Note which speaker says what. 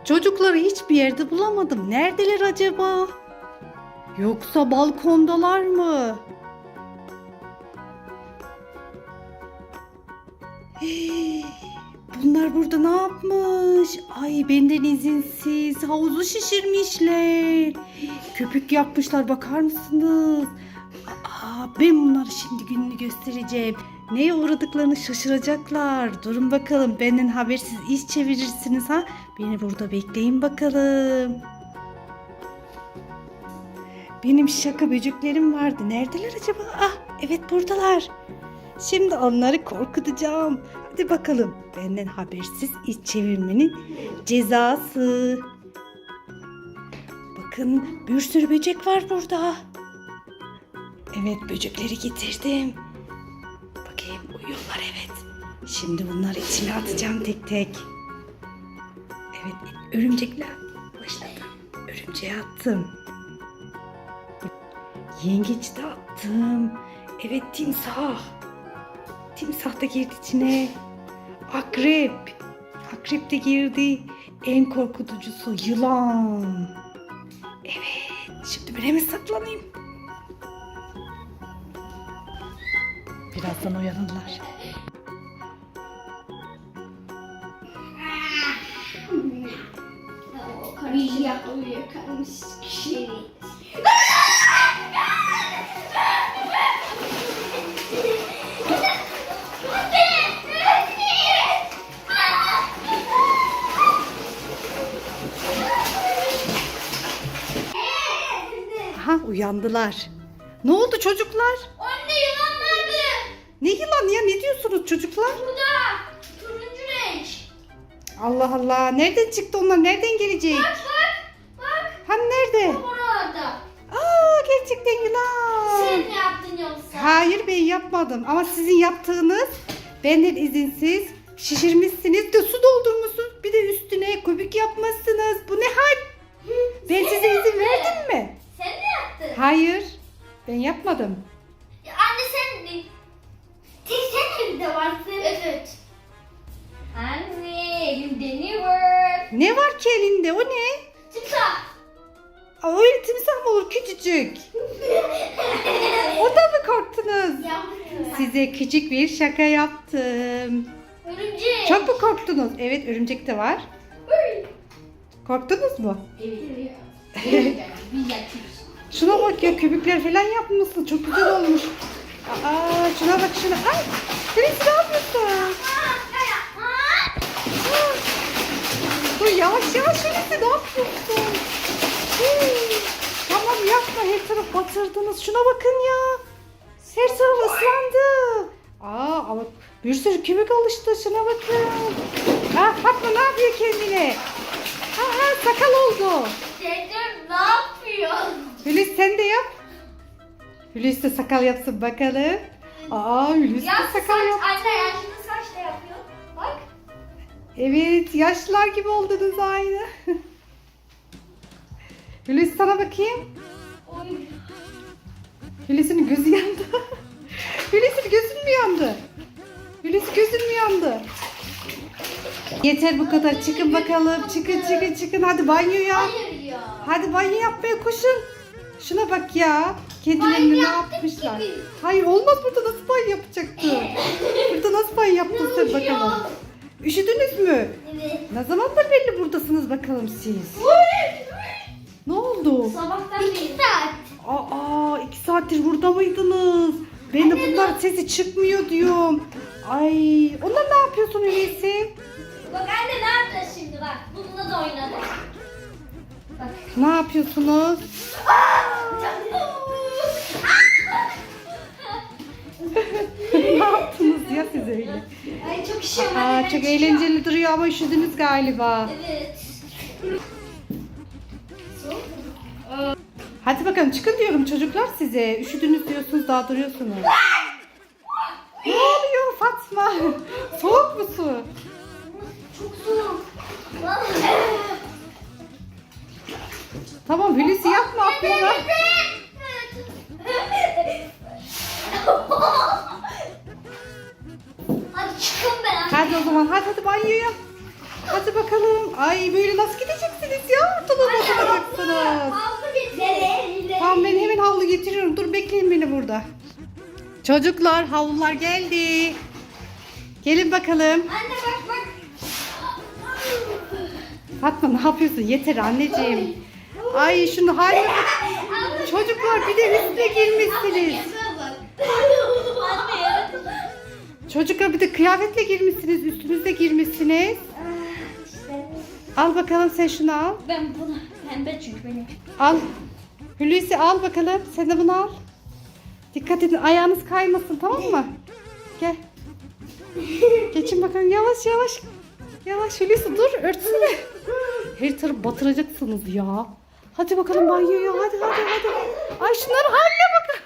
Speaker 1: Çocukları hiçbir yerde bulamadım. Neredeler acaba? Yoksa balkondalar mı? Hey, bunlar burada ne yapmış? Ay benden izinsiz havuzu şişirmişler. Köpük yapmışlar, bakar mısınız? Ben bunları şimdi gününü göstereceğim. Neye uğradıklarını şaşıracaklar. Durun bakalım, benden habersiz iş çevirirsiniz ha. Beni burada bekleyin bakalım. Benim şaka böceklerim vardı. Neredeler acaba? Evet, buradalar. Şimdi onları korkutacağım. Hadi bakalım. Benden habersiz iş çevirmenin cezası. Bakın, bir sürü böcek var burada. Evet, böcekleri getirdim. Bakayım, uyuyorlar, evet. Şimdi bunları içine atacağım tek tek. Evet, örümcekler başladı. Örümceğe attım. Yengeç de attım. Evet, timsah. Timsah da girdi içine. Akrep. Akrep de girdi. En korkutucusu yılan. Evet, şimdi ben hemen saklanayım. Birazdan uyanırlar.
Speaker 2: Karıya uyuyakalmış kişi.
Speaker 1: Aha, uyandılar. Ne oldu çocuklar?
Speaker 2: Anne yılan nerede?
Speaker 1: Ne yılan ya? Ne diyorsunuz çocuklar?
Speaker 2: Burada. Turuncu renk.
Speaker 1: Allah Allah. Nereden çıktı onlar? Nereden gelecek?
Speaker 2: Bak.
Speaker 1: Hani nerede?
Speaker 2: Orada.
Speaker 1: Gerçekten yılan.
Speaker 2: Sen mi yaptın yoksa?
Speaker 1: Hayır, ben yapmadım. Ama sizin yaptığınız, benden izinsiz şişirmişsiniz de su doldurmuşsunuz. Bir de üstüne köpük yapmışsınız. Bu ne hal? Ben size izin verdim mi?
Speaker 2: Sen mi yaptın?
Speaker 1: Hayır. Ben yapmadım.
Speaker 2: Anne sen mi? Sen evde varsın. Evet. Anne elimde ne var?
Speaker 1: Ne var ki elinde? O ne?
Speaker 2: Timsah.
Speaker 1: Öyle timsah mı olur, küçücük? Ondan mı korktunuz?
Speaker 2: Yaptım.
Speaker 1: Size küçük bir şaka yaptım.
Speaker 2: Örümcek.
Speaker 1: Çok mu korktunuz? Evet, örümcek de var. Korktunuz mu?
Speaker 2: Evet. Biz yapıyoruz.
Speaker 1: Şuna bak ya, köpükler falan yapmışsın. Çok güzel olmuş. Şuna bak şuna. Ay, Hulusi ne yapıyorsun? Dur, yavaş yavaş Hulusi, ne yapıyorsun? Tamam, yapma, her taraf batırdınız. Şuna bakın ya. Her taraf ıslandı. Ama bir sürü köpük alıştı. Şuna bakın. Fatma ne yapıyor kendine? Sakal oldu.
Speaker 2: Dedem ne yapıyor?
Speaker 1: Hulusi sen de yap. Hulusi de sakal yapsın bakalım. Hulusi de sakal yap.
Speaker 2: Anne yaşlı saçla yapıyor. Bak.
Speaker 1: Evet, yaşlılar gibi oldunuz aynı. Hulusi sana bakayım.
Speaker 2: Oy.
Speaker 1: Hulusi'nin gözü yandı. Hulusi'nin gözün mü yandı? Hulusi gözün mü yandı? Yeter bu kadar. Çıkın bakalım. Çıkın. Hadi banyoya.
Speaker 2: Hayır ya.
Speaker 1: Hadi banyo yapmaya koşun. Şuna bak ya. Kendilerini ne yapmışlar? Hayır, olmaz, burada nasıl banyo yapacaktı? Burada nasıl banyo yaptın sen bakalım? Üşüdünüz mü?
Speaker 2: Evet.
Speaker 1: Ne zamandır belli buradasınız bakalım siz? Ne oldu?
Speaker 2: Sabahtan 2 saat.
Speaker 1: 2 saattir burada mıydınız? Ben de bunlar sesi çıkmıyor diyorum. Ay, onlar ne yapıyorsun öyleyse?
Speaker 2: Bak anne ne yapacağız şimdi bak. Bununla da oynadık. Bak.
Speaker 1: Ne yapıyorsunuz? Ne yaptınız ya siz öyle?
Speaker 2: Ay çok işim
Speaker 1: Çok eğlenceli duruyor ama üşüdünüz galiba.
Speaker 2: Evet.
Speaker 1: Hadi bakalım, çıkın diyorum çocuklar size. Üşüdünüz diyorsunuz, daha duruyorsunuz. Ne oluyor Fatma? Soğuk mu su?
Speaker 2: Çok soğuk.
Speaker 1: Tamam Hulusi, yapma atlama.
Speaker 2: Hadi çıkın ben.
Speaker 1: Hadi o zaman, hadi banyoya. Hadi bakalım. Ay, böyle nasıl gidecek getiriyorum. Dur bekleyin beni burada. Çocuklar havlular geldi. Gelin bakalım.
Speaker 2: Anne bak bak.
Speaker 1: Fatma ne yapıyorsun? Yeter anneciğim. Ay şunu haline bak. Çocuklar bir de üstüne girmişsiniz. Çocuklar bir de kıyafetle girmişsiniz. Üstünüzde girmişsiniz. Al bakalım sen şunu al.
Speaker 2: Ben bunu pembe çünkü benim.
Speaker 1: Al. Hulusi al bakalım. Sen de bunu al. Dikkat edin ayağınız kaymasın tamam mı? Gel. Geçin bakalım yavaş yavaş. Yavaş Hulusi dur örtsene. Her tarafı batıracaksınız ya. Hadi bakalım banyoya hadi. Ay şunların haline bakın.